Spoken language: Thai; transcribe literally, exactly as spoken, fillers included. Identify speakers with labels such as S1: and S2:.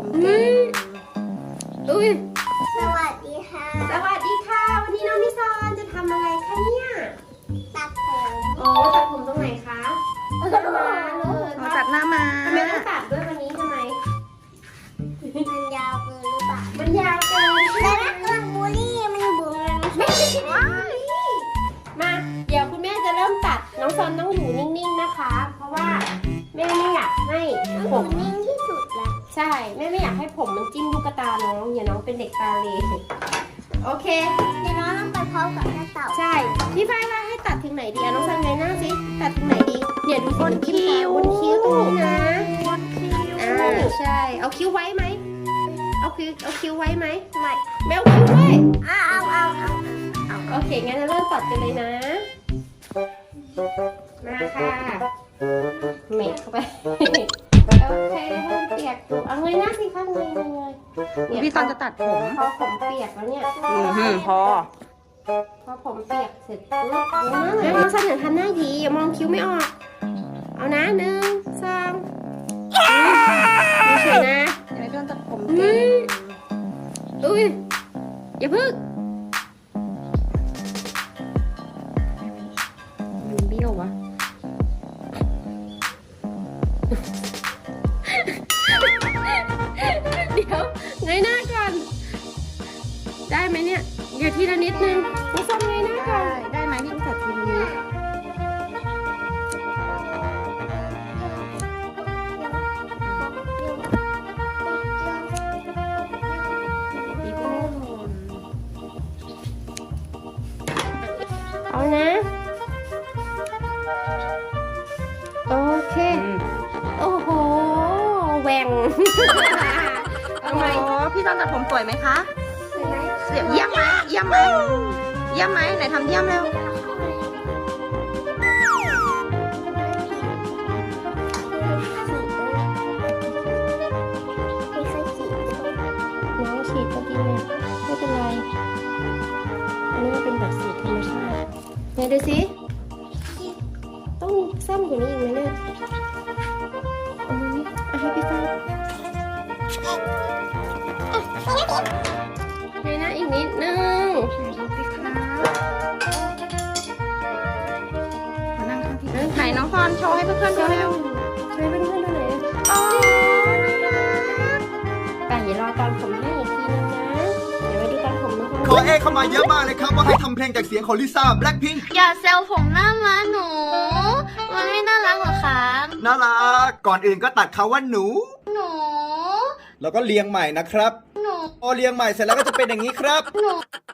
S1: เก่งอุ้ย
S2: สวัสดีค่ะ
S1: สวัสดีค่ะวันนี้น้องนิซอนจะทำอะไรคะเนี่ย
S2: ตัดผม
S1: โอ้ตัดผมตรงไหนคะหน้าม้าเลย
S3: เราจัดหน้ามา
S1: ทำไมต้องตัดด้วยวันนี้ทำไม
S2: มันยาวเกินหรือเปล่า
S1: มันยาวเกิน
S2: แต่ถ้าเกิดบูลลี่มันบุ๋ม
S1: ไม่ใช่ว้ายมาเดี๋ยวคุณแม่จะเริ่มตัดน้องซอนต้องอยู่นิ่งๆนะคะ เพราะว่าแม่ไม่อยากให้ผ
S2: ผม มนิ่งที่สุดแล้ว
S1: ใช่แม่ไม่อยากให้ผมมันจิ้มลูกตาน้องอย่าน้องเป็นเด็กตาเลโอเค
S2: เดี๋ยวน้องต้องไปพร้อมกับแม่เต่า
S1: ใช่พี่ฝ้ายว่าให้ตัดถึงไหนดีอะน้องซันไงหน้าสิตัดถึงไหนดีเนี่ยดูสิ
S3: บนคิ้ว
S1: บนคิ้วตรงนี้นะ
S3: บนคิ้ว
S1: อ่าใช่เอาคิ้วไว้ไหมเอาคิ้วเอาคิ้วไว้ไหม
S2: ไม่
S1: ไม่เอาคิ้วไว้
S2: เอาเอาเอาเอาเอา
S1: โอเคงั้นเราเริ่มตัดกันเลยนะมาค่ะเมดเข้าไปโอเคเริ่มเปียกอยู่เอาเงยหน้าสิคะเงยเงยเงยเนี่ย
S3: พี่ตอนจะตัดผม
S1: พอผมเปียกแล้วเนี่ย
S3: อือหือพอ
S1: พอผมเปียกเสร็จปุ๊บแล้วน้องซันอย่าทำหน้าหยีอย่ามองคิ้วไม่ออก เอานะหนึ่งสองดูเฉยนะ
S3: เดี๋ยวพี่ตอนตัดผม
S1: อุ้
S3: เก่
S1: ย
S3: ง
S1: อุ้ยอย่าพึ่งมันเบี้ยววะเดี๋ยวเงยหน้าก่อน ได้ไหมเนี่ยเดี๋ยวทีละนิดนึงนี่ส้มเงยหน้าก่อน
S3: ได้ได้ไหมพี่ตัดทีนี้
S1: เอานะ โอเค
S3: อืม
S1: โอ้โหแหวง
S3: โอ้พี่ตอนตัดผมสวยไหมคะ
S1: เห็นไหม
S3: เสียบเยี่ยมไหมเยี่ยมไหมเยี่ยมไหมไหนทำเยี่ยมเร็ว
S2: ไม่ค่อยสี
S1: น้องฉีดก็ดีเลยไม่เป็นไร อันนี้มันเป็นแบบสีธรรมชาติไหนดูสิ ต้องสั้นกว่านี้อีกไหมเนี่ยเอามานี่เอาให้พี่ฟ้าให้นะอีกนิดนึง
S3: ไหนดูสิคะมานั่งข้างพี่ไหนน้องฟอนโชว์ให้เพื่อนๆดูเร็ว
S1: ช่วยเพื่อนๆดูหน่อยนะ
S3: โอ้น่ารัก
S1: แต่อย่ารอตอนผมให้อีกทีนึงนะ เดี๋ยวไปดูตอนผมนะ
S4: ขอเอกเข้ามาเยอะมากเลยครับว่าให้ทำเพลงจากเสียงของลิซ่าแบล็คพิงค์
S2: อย่าแซวผมหน้าม้าหนู มันไม่น่ารักหรอครับ
S4: น่ารักก่อนอื่นก็ตัดคำว่าหนู
S2: หนู
S4: แล้วก็เรียงใหม่นะครับ
S2: หนู
S4: พอเรียงใหม่เสร็จแล้วก็จะเป็นอย่างนี้ครับ
S2: หนู